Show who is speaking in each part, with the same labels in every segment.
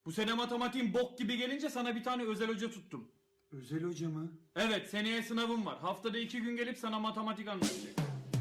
Speaker 1: Bu sene matematiğin bok gibi gelince sana bir tane özel hoca tuttum.
Speaker 2: Özel hoca mı?
Speaker 1: Evet, seneye sınavım var. Haftada 2 gün gelip sana matematik anlatacak.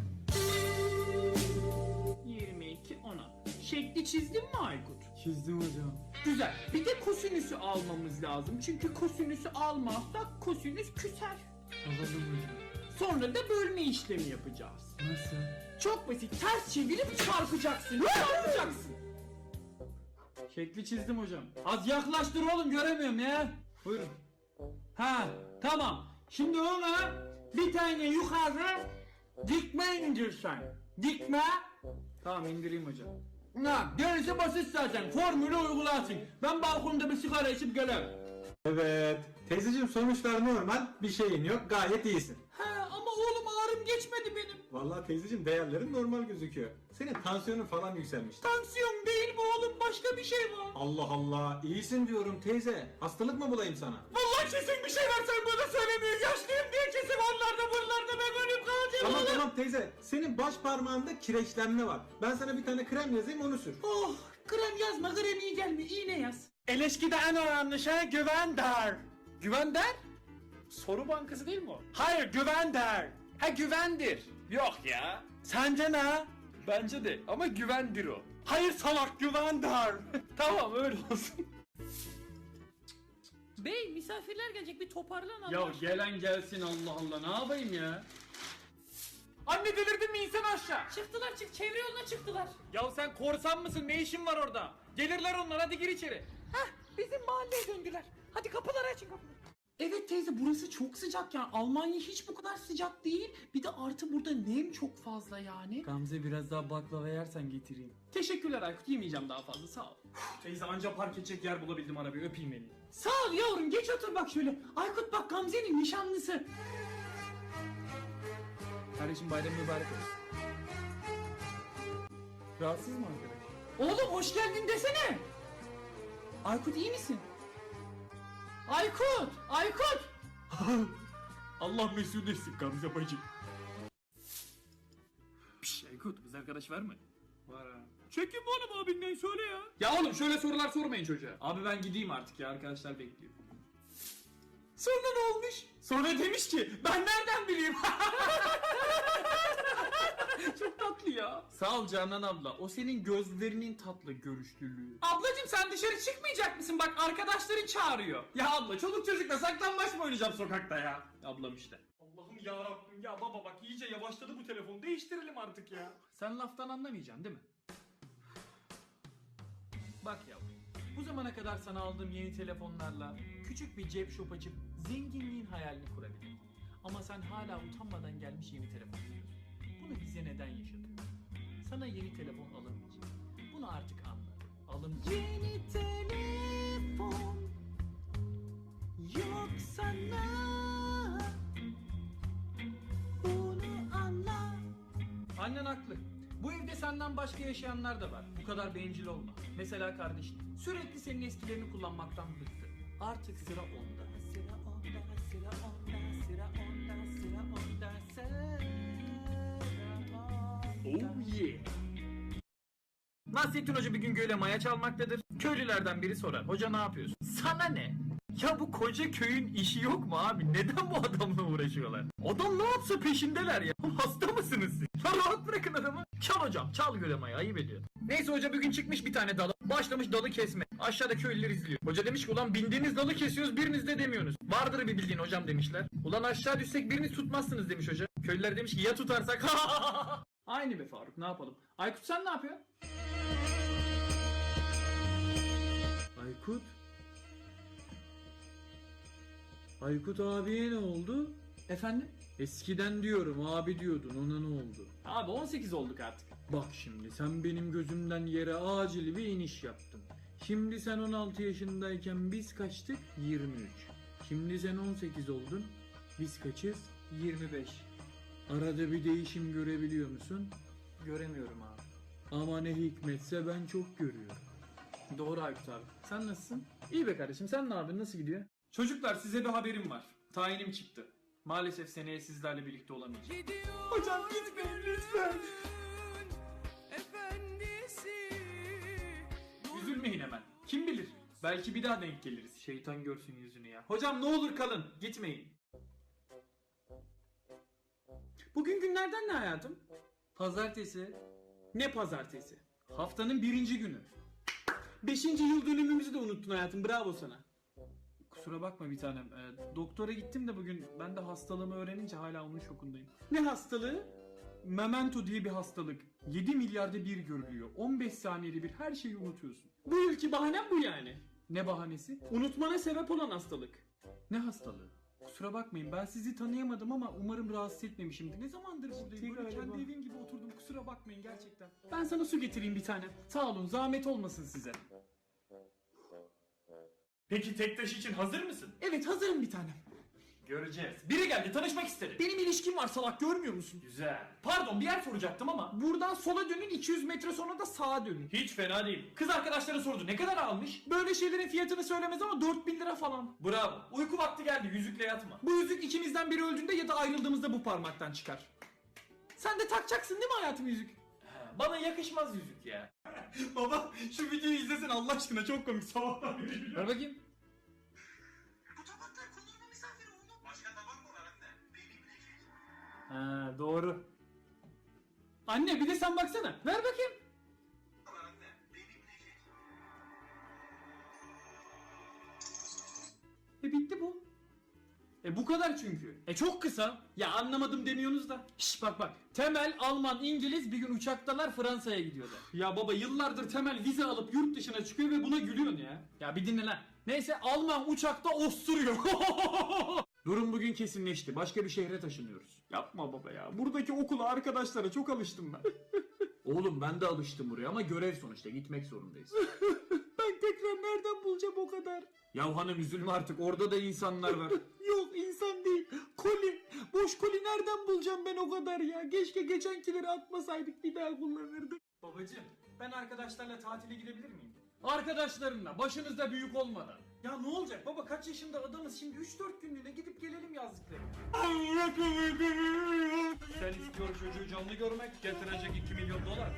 Speaker 1: 22 10'a. Şekli çizdin mi Aykut?
Speaker 2: Çizdim hocam.
Speaker 1: Güzel. Bir de kosinüsü almamız lazım. Çünkü kosinüsü almazsak kosinüs küser.
Speaker 2: Alalım hocam.
Speaker 1: Sonra da bölme işlemi yapacağız.
Speaker 2: Nasıl?
Speaker 1: Çok basit. Ters çevirip çarpacaksın. Çarpacaksın. Şekli çizdim hocam. Az yaklaştır oğlum, göremiyorum ya. Buyurun. Ha, tamam. Şimdi ona bir tane yukarı dikme indirsen. Dikme. Tamam, indireyim hocam. Ha, gerisi basit zaten. Formülü uygulasın. Ben balkonda bir sigara içip gelirim.
Speaker 3: Evet. Teyzeciğim sonuçlar normal. Bir şeyin yok. Gayet iyisin.
Speaker 1: Ha, ama oğlum ağrım geçmedi benim.
Speaker 3: Vallahi teyzeciğim değerlerin normal gözüküyor. Senin tansiyonun falan yükselmiş.
Speaker 1: Tansiyon değil bu oğlum, başka bir şey var.
Speaker 3: Allah Allah. İyisin diyorum teyze. Hastalık mı bulayım sana?
Speaker 1: Vallahi kesin bir şey var, sen bana söylemiyor. Yaşlıyım diye kesin onlarda buralarda ben ölüp kalacağım.
Speaker 3: Tamam tamam teyze. Senin baş parmağında kireçlenme var. Ben sana bir tane krem yazayım onu sür.
Speaker 1: Oh, krem yazma, krem iyi gelmiyor, iğne yaz. İlişkide en önemli şey güven der. Güven der? Soru bankası değil mi o? Hayır, güven der. Ha, güvendir. Yok ya. Sence ne? Bence de ama güvendir o. Hayır salak, güven der. Tamam, öyle olsun.
Speaker 4: Bey misafirler gelecek, bir toparlan Allah
Speaker 1: Ya
Speaker 4: aşkına.
Speaker 1: gelen gelsin, Allah Allah, ne yapayım ya? Anne, delirdin mi, insan aşağı.
Speaker 4: Çıktılar, çevre yoluna çıktılar.
Speaker 1: Ya sen korsan mısın, ne işin var orada? Gelirler onlar, hadi gir içeri.
Speaker 4: Hah, bizim mahalleye döndüler. Hadi kapıları açın, kapıları.
Speaker 5: Evet teyze, burası çok sıcak yani. Almanya hiç bu kadar sıcak değil. Bir de artı burada nem çok fazla yani.
Speaker 1: Gamze, biraz daha baklava yersen getireyim. Teşekkürler Aykut, yemeyeceğim daha fazla, sağ ol. Teyze, anca park edecek yer bulabildim, arabayı öpeyim beni.
Speaker 5: Sağ ol yavrum, geç otur bak şöyle. Aykut bak, Gamze'nin nişanlısı.
Speaker 1: Kardeşim, bayram mübarek olsun. Rahatsız mı arkadaş?
Speaker 5: Oğlum hoş geldin desene. Aykut iyi misin? Aykut! Aykut!
Speaker 1: Allah mesul etsin Gamze bacı. Piş Aykut, kız arkadaş var mı? Var ha. Çekin bu oğlum, abinden söyle ya. Ya oğlum, şöyle sorular sormayın çocuğa. Abi ben gideyim artık ya, arkadaşlar bekliyor. Sonra ne olmuş? Sonra demiş ki ben nereden bileyim? Çok tatlı ya. Sağ ol Canan abla. O senin gözlerinin tatlı görüşlülüğü. Ablacım, sen dışarı çıkmayacak mısın? Bak arkadaşların çağırıyor. Ya abla, çoluk çocukla saklambaç mı oynayacağım sokakta ya? Ablam işte. Allah'ım ya Rabbim, ya baba bak iyice yavaşladı bu telefon. Değiştirelim artık ya. Sen laftan anlamayacaksın değil mi? Bak yavrum, bu zamana kadar sana aldığım yeni telefonlarla küçük bir cep shop açıp zenginliğin hayalini kurabilirim. Ama sen hala utanmadan gelmiş yeni telefon diyorsun. Bunu bize neden yaşatıyorsun? Sana yeni telefon alınmayacak. Bunu artık anla. Alınmayacak.
Speaker 5: Yeni telefon yok sana. Bunu anla.
Speaker 1: Annen haklı. Bu evde senden başka yaşayanlar da var. Bu kadar bencil olma. Mesela kardeşin. Sürekli senin eskilerini kullanmaktan bıktı. Artık sıra onda.
Speaker 5: Sıra onda, sıra onda, sıra onda, sıra onda, sıra onda.
Speaker 1: Oh yeah. Nasrettin Hoca bir gün göle maya çalmaktadır. Köylülerden biri sorar. Hoca ne yapıyorsun? Sana ne? Ya bu koca köyün işi yok mu abi? Neden bu adamla uğraşıyorlar? Adam ne yapsa peşindeler ya. Hasta mısınız siz? Ya rahat bırakın adamı. Çal hocam, çal göle maya, ayıp ediyor. Neyse hoca bir gün çıkmış bir tane dala. Başlamış dalı kesme. Aşağıda köylüler izliyor. Hoca demiş ki ulan bindiğiniz dalı kesiyoruz, biriniz de demiyorsunuz. Vardır bir bildiğin hocam demişler. Ulan aşağı düşsek biriniz tutmazsınız demiş hoca. Köylüler demiş ki ya tutarsak? Aynı be Faruk, ne yapalım? Aykut sen ne yapıyorsun? Aykut? Aykut abiye ne oldu? Efendim? Eskiden diyorum, abi diyordun, ona ne oldu? Abi 18 olduk artık. Bak şimdi sen benim gözümden yere acil bir iniş yaptın. Şimdi sen 16 yaşındayken biz kaçtık? 23. Şimdi sen 18 oldun. Biz kaçız? 25. Arada bir değişim görebiliyor musun? Göremiyorum abi. Ama ne hikmetse ben çok görüyorum. Doğru Aykut abi. Sen nasılsın? İyi be kardeşim, sen ne yapıyorsun? Nasıl gidiyor? Çocuklar, size bir haberim var. Tayinim çıktı. Maalesef seneye sizlerle birlikte olamayacağım. Hocam gitmeyin lütfen. Üzülmeyin hemen. Kim bilir? Belki bir daha denk geliriz. Şeytan görsün yüzünü ya. Hocam ne olur kalın. Gitmeyin. Bugün günlerden ne hayatım? Pazartesi. Ne pazartesi? Haftanın 1. günü. 5. yıl dönümümüzü de unuttun hayatım. Bravo sana. Kusura bakma bir tanem. Doktora gittim de bugün ben de hastalığımı öğrenince hala onun şokundayım. Ne hastalığı? Memento diye bir hastalık. 7 milyarda bir görülüyor. 15 saniyede bir her şeyi unutuyorsun. Bu ülke bahanem bu yani. Ne bahanesi? Unutmana sebep olan hastalık. Ne hastalığı? Kusura bakmayın ben sizi tanıyamadım ama umarım rahatsız etmemişimdir. Ne zamandır buradayım? Böyle kendi evim gibi oturdum. Kusura bakmayın gerçekten. Ben sana su getireyim bir tane. Sağ olun zahmet olmasın size. Peki tek taş için hazır mısın? Evet hazırım bir tanem. Göreceğiz. Biri geldi tanışmak istedi. Benim ilişkim var salak görmüyor musun? Güzel. Pardon bir yer soracaktım ama. Buradan sola dönün 200 metre sonra da sağa dönün. Hiç fena değil. Kız arkadaşları sordu ne kadar almış? Böyle şeylerin fiyatını söylemez ama 4000 lira falan. Bravo. Uyku vakti geldi yüzükle yatma. Bu yüzük ikimizden biri öldüğünde ya da ayrıldığımızda bu parmaktan çıkar. Sen de takacaksın değil mi hayatım yüzük? Bana yakışmaz yüzük ya. Baba şu videoyu izlesin Allah aşkına çok komik sabahtan beri. Ver bakayım. Ha doğru. Anne bir de sen baksana. Ver bakayım. Bitti bu. Bu kadar çünkü. Çok kısa. Ya anlamadım demiyorsunuz da. Şş bak. Temel, Alman, İngiliz bir gün uçaktalar Fransa'ya gidiyorlar. Ya baba yıllardır Temel vize alıp yurt dışına çıkıyor ve buna gülüyorsun ya. Ya bir dinle lan. Neyse Alman uçakta osturuyor. Durum bugün kesinleşti. Başka bir şehre taşınıyoruz. Yapma baba ya. Buradaki okula arkadaşlara çok alıştım ben. Oğlum ben de alıştım buraya ama görev sonuçta gitmek zorundayız. Ben tekrar nereden bulacağım o kadar? Ya hanım üzülme artık orada da insanlar var. Yok insan değil. Koli. Boş koli nereden bulacağım ben o kadar ya? Keşke geçenkileri atmasaydık bir daha kullanırdık. Babacığım ben arkadaşlarla tatile gidebilir miyim? Arkadaşlarınla başınızda büyük olmadan. Ya ne olacak baba kaç yaşında adamız şimdi 3-4 günlüğüne gidip gelelim yazlıklara. Sen istiyor çocuğu canlı görmek getirecek 2 milyon dolar.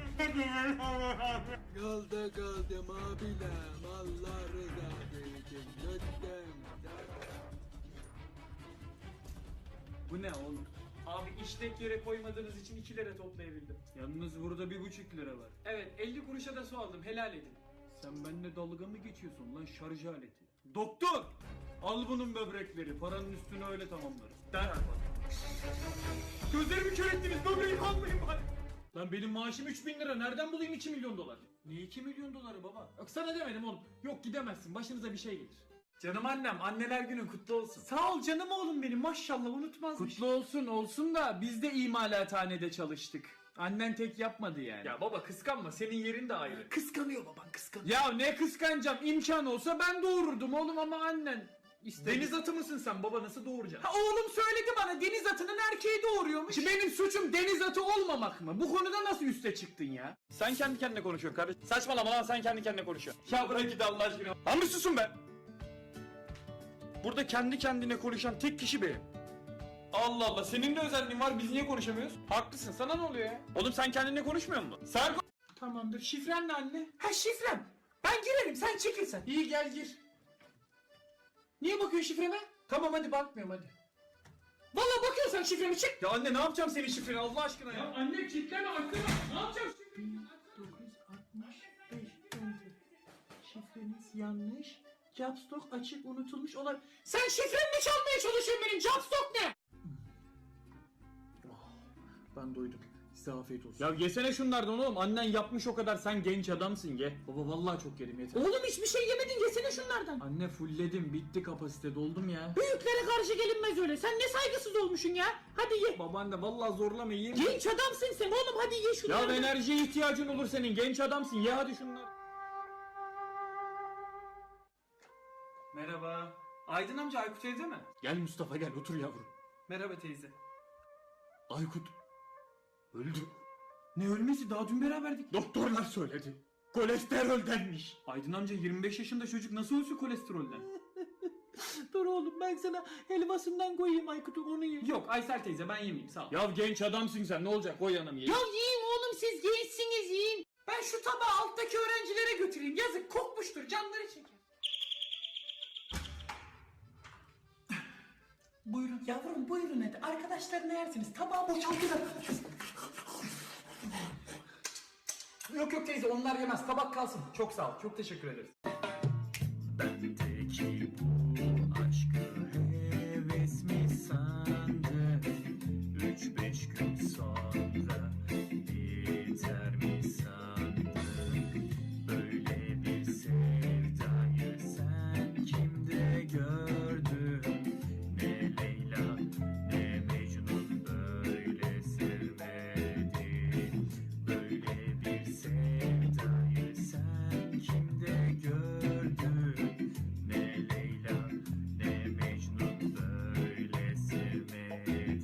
Speaker 2: Yolda kaldım abilem. Allah rızası için lütfen.
Speaker 1: Bu ne oğlum? Abi işlek yere koymadığınız için 2 lira toplayabildim. Yalnız burada 1,5 lira var. Evet 50 kuruşa da su aldım helal edin. Sen benimle dalga mı geçiyorsun lan şarj aleti? Doktor! Al bunun böbrekleri paranın üstüne öyle tamamlarız. Derhal bak. Gözlerimi kör ettiniz böbreğimi almayın bari. Lan benim maaşım 3.000 lira nereden bulayım 2 milyon dolar? Ne 2 milyon doları baba? Yok sana demedim oğlum. Yok gidemezsin başınıza bir şey gelir. Canım annem anneler günün kutlu olsun. Sağ ol canım oğlum benim maşallah unutmazmış. Kutlu olsun da biz de imalathanede çalıştık. Annen tek yapmadı yani. Ya baba kıskanma senin yerin de ayrı. Kıskanıyor baban kıskanıyor. Ya ne kıskanacağım imkan olsa ben doğururdum oğlum ama annen. Deniz atı mısın sen baba nasıl doğuracaksın? Ha, oğlum söyledi bana deniz atının erkeği doğuruyormuş. Benim suçum deniz atı olmamak mı? Bu konuda nasıl üste çıktın ya? Sen kendi kendine konuşuyorsun kardeşim. Saçmalama lan sen kendi kendine konuşuyorsun. Ya bırak git Allah aşkına. Lan bir susun be. Burada kendi kendine konuşan tek kişi benim. Allah Allah senin de özelliğin var biz niye konuşamıyoruz? Haklısın sana ne oluyor ya? Oğlum sen kendinle konuşmuyor musun? Sen Tamamdır şifren ne anne? Ha şifrem. Ben girerim sen çekil sen. İyi gel gir. Niye bakıyorsun şifreme? Tamam hadi bakmıyorum hadi. Vallahi bakıyorsan şifremi çek. Ya anne ne yapacağım senin şifreni Allah aşkına ya? Ya anne kilitleme arkana. Ne yapacağım şifreni? 1965 enter. Şifreniz yanlış. Capstock açık unutulmuş olabilir. Sen şifremi çalmaya çalışıyorsun benim Capstock ne? Ben doydum. Size afiyet olsun. Ya yesene şunlardan oğlum. Annen yapmış o kadar. Sen genç adamsın ye. Baba vallahi çok yedim yeter. Oğlum hiçbir şey yemedin yesene şunlardan. Anne fullledim. Bitti kapasite doldum ya. Büyüklere karşı gelinmez öyle. Sen ne saygısız olmuşsun ya. Hadi ye. Babaanne vallahi zorlama yiyeyim. Genç adamsın sen oğlum hadi ye şunlardan. Ya enerjiye ihtiyacın olur senin. Genç adamsın. Ye hadi şunları. Merhaba. Aydın amca Aykut evde mi? Gel Mustafa gel otur yavrum. Merhaba teyze. Aykut öldü. Ne ölmesi daha dün beraberdik. Doktorlar söyledi. Kolesteroldenmiş. Aydın amca 25 yaşında çocuk nasıl ölsün kolesterolden? Dur oğlum ben sana helvasından koyayım Aykut'un onu ye. Yok Aysel teyze ben yemeyeyim sağ ol. Ya genç adamsın sen ne olacak koy yanım ye. Ya yiyin oğlum siz gençsiniz yiyin. Ben şu tabağı alttaki öğrencilere götüreyim yazık kokmuştur canları çeker.
Speaker 5: Buyurun yavrum buyurun hadi. Arkadaşlarına yersiniz. Tabağı boşaltın.
Speaker 1: Yok yok teyze onlar yemez. Tabak kalsın. Çok sağ ol. Çok teşekkür ederiz.
Speaker 6: Bendeki bu aşkı heves mi sandın? 3-5 gün sonra biter mi sandın? Böyle bir sevdayı sen kimde gördün? Ne Leyla ne Mecnun böyle sevmedi. Böyle bir sevdayı sen kimde gördün? Ne Leyla ne Mecnun böyle sevmedi.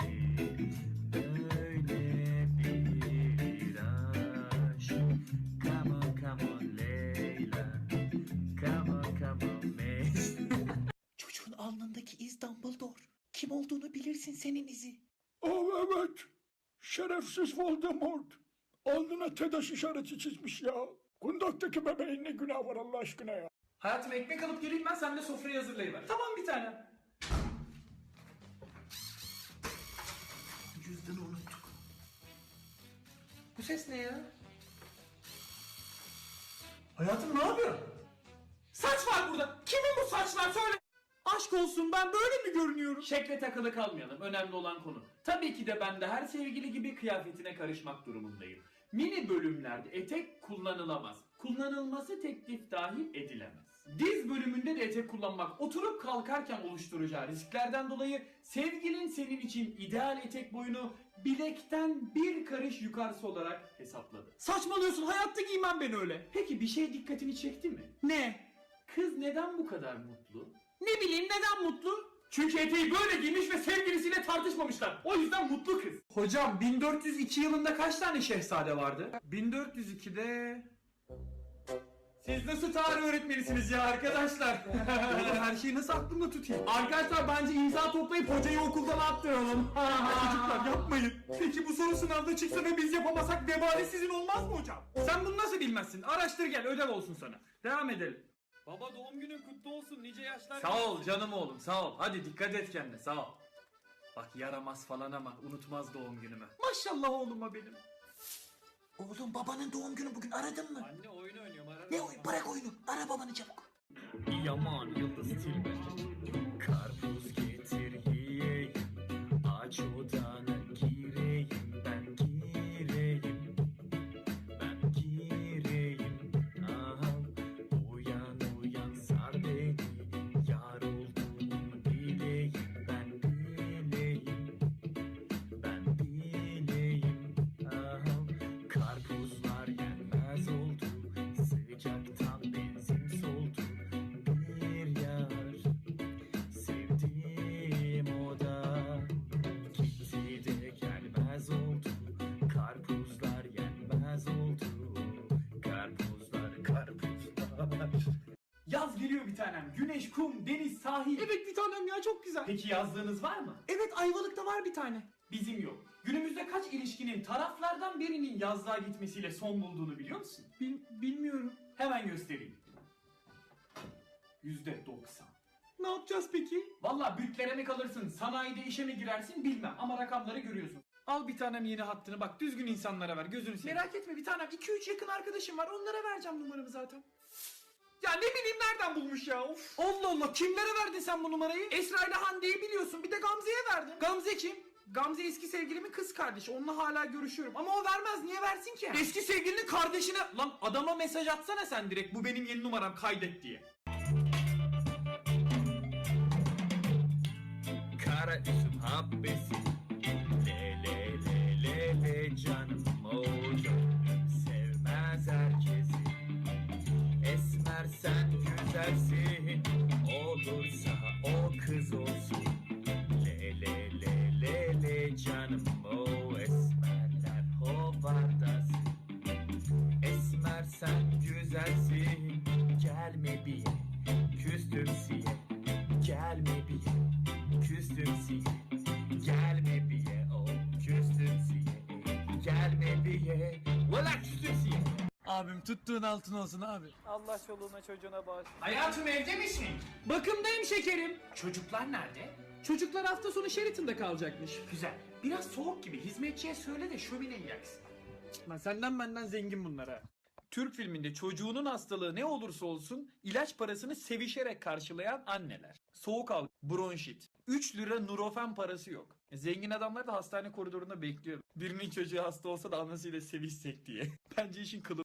Speaker 6: Böyle bir aşk. Come on come on Leyla. Come on Mecnun.
Speaker 5: Çocuğun alnındaki iz Dumbledore. Kim olduğunu bilirsin senin izi.
Speaker 7: Oh evet. Şerefsiz Voldemort. Alnına TEDAŞ işareti çizmiş ya. Kundaktaki bebeğin ne günah var Allah aşkına ya.
Speaker 1: Hayatım ekmek alıp geleyim ben, sen de sofrayı hazırlayıver. Tamam bir tane.
Speaker 5: Cüzdanı unuttuk.
Speaker 1: Bu ses ne ya? Hayatım ne yapıyorsun? Saç var burada. Kimin bu saçlar söyle. Aşk olsun ben böyle mi görünüyorum? Şekle takılı kalmayalım. Önemli olan konu. Tabii ki de ben de her sevgili gibi kıyafetine karışmak durumundayım. Mini bölümlerde etek kullanılamaz. Kullanılması teklif dahi edilemez. Diz bölümünde de etek kullanmak oturup kalkarken oluşturacağı risklerden dolayı sevgilin senin için ideal etek boyunu bilekten bir karış yukarısı olarak hesapladı. Saçmalıyorsun, hayatta giymem ben öyle. Peki bir şey dikkatini çekti mi? Ne? Kız neden bu kadar mutlu? Ne bileyim neden mutlu? Çünkü eteği böyle giymiş ve sevgilisiyle tartışmamışlar. O yüzden mutlu kız. Hocam 1402 yılında kaç tane şehzade vardı? 1402'de... Siz nasıl tarih öğretmenisiniz ya arkadaşlar? Oğlum her şeyi nasıl aklımda tutayım? Arkadaşlar bence imza toplayıp hocayı okuldan attıralım. Çocuklar yapmayın. Peki bu soru sınavda çıksa ve biz yapamasak vebali sizin olmaz mı hocam? Sen bunu nasıl bilmezsin? Araştır gel, ödev olsun sana. Devam edelim. Baba doğum günün kutlu olsun, nice yaşlar. Sağ ol canım oğlum, sağ ol. Hadi dikkat et kendine, sağ ol. Bak yaramaz falan ama unutmaz doğum günümü. Maşallah oğluma benim.
Speaker 5: Oğlum babanın doğum günü bugün aradın mı?
Speaker 1: Anne oyun oynuyorum, ararım.
Speaker 5: Ne oyun? Bırak oyunu. Ara babanı çabuk.
Speaker 6: Yaman Yıldız Tilbe. Karpuz getir yiyeyim. Aç odana gireyim. Ben gireyim. Ben gireyim. Aha. Uyan uyan sar beni. Yar olduğumu bileyim. Ben bileyim. Ben bileyim. Aha. Karpuzlar yenmez oldu. Sıcaktan benzin soldu. Bir yar sevdiğim o da gitti de gelmez oldu. Karpuzlar yenmez oldu. Karpuzlar.
Speaker 1: Yaz geliyor bir tanem. Güneş, kum, deniz, sahil. Evet bir tanem ya, çok güzel. Peki yazlığınız var mı? Evet Ayvalık'ta var bir tane. Bizim yok. Günümüzde kaç ilişkinin taraflardan birinin yazlığa gitmesiyle son bulduğunu biliyor musun? Bilmiyorum. Hemen göstereyim. %90. Ne yapacağız peki? Valla bütlere mi kalırsın, sanayide işe mi girersin bilmem ama rakamları görüyorsun. Al bir tanem yeni hattını, bak düzgün insanlara ver, gözünü seveyim. Merak etme bir tanem, 2-3 yakın arkadaşım var, onlara vereceğim numaramı zaten. Ya ne bileyim nereden bulmuş ya, of. Allah Allah, kimlere verdin sen bu numarayı? Esra ile Hande'yi biliyorsun, bir de Gamze'ye verdim. Gamze kim? Gamze eski sevgilimin kız kardeşi, onunla hala görüşüyorum ama o vermez, niye versin ki? Eski sevgilinin kardeşine, lan adama mesaj atsana sen direkt, bu benim yeni numaram, kaydet diye.
Speaker 6: Kara üzüm habbesi. Le le le le le canım o gönlüm sevmez herkesi. Esmer sen güzelsin. Olursa o kız olsun. Le le le le le canım o esmerler hovardasın. Esmer sen güzelsin. Gelme bir küstüm siye. Gelme bir küstüm siye. Gelme biye o küstüm siye. Gelme biye valla küstüm siye.
Speaker 2: Abim tuttuğun altın olsun abi.
Speaker 1: Allah çoluğuna çocuğuna bağışlasın. Hayatım evde misin? Bakımdayım şekerim. Çocuklar nerede?
Speaker 5: Çocuklar hafta sonu Sheraton'da kalacakmış.
Speaker 1: Güzel. Biraz soğuk gibi. Hizmetçiye söyle de şömineyi yaksın. Lan senden benden zengin bunlar ha. Türk filminde çocuğunun hastalığı ne olursa olsun ilaç parasını sevişerek karşılayan anneler. Soğuk algı, bronşit. 3 lira Nurofen parası yok. Zengin adamlar da hastane koridorunda bekliyor. Birinin çocuğu hasta olsa da anasıyla sevişsek diye. Bence işin kılı.